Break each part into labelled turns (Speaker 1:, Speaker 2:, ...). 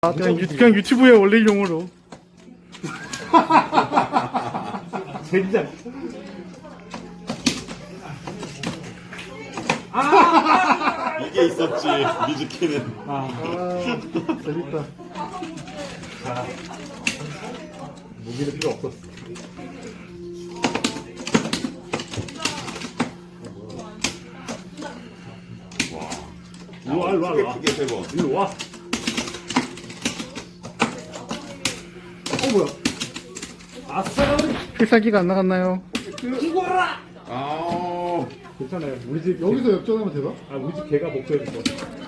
Speaker 1: 아, 그냥 유튜브에 올릴 용으로.
Speaker 2: 젠장.
Speaker 3: 이게 있었지 미즈키는.
Speaker 1: 재밌다.
Speaker 2: 무기는 필요 없었어. 일로 와, 일로 와, 일로 와.
Speaker 3: 크게 세 번.
Speaker 2: 일로 와.
Speaker 1: 뭐야?
Speaker 2: 아싸!
Speaker 1: 필살기가 안 나갔나요?
Speaker 2: 죽어라!
Speaker 3: 아,
Speaker 2: 괜찮아요. 우리 집
Speaker 1: 여기서 역전하면 되나?
Speaker 2: 아, 우리 집 개가 복수해 줄 거야.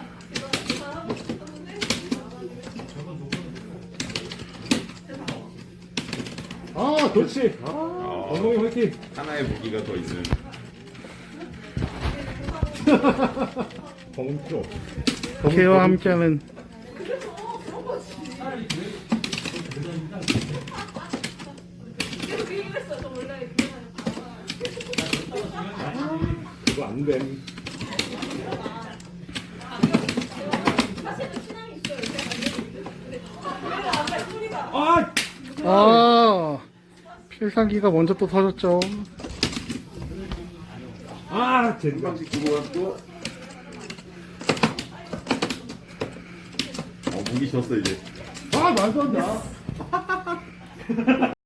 Speaker 1: 아,
Speaker 2: 그렇지. 건동이 화이팅.
Speaker 3: 하나의 무기가 더 있는.
Speaker 2: 검은 필요 없어.
Speaker 1: 개와 함께하는.
Speaker 2: 이거 안 됨. 아!
Speaker 1: 아, 필살기가 먼저 또 터졌죠.
Speaker 2: 아, 젠장.
Speaker 3: 방식 두고 갔고. 무기 졌어 이제.
Speaker 1: 아, 말도 안 돼.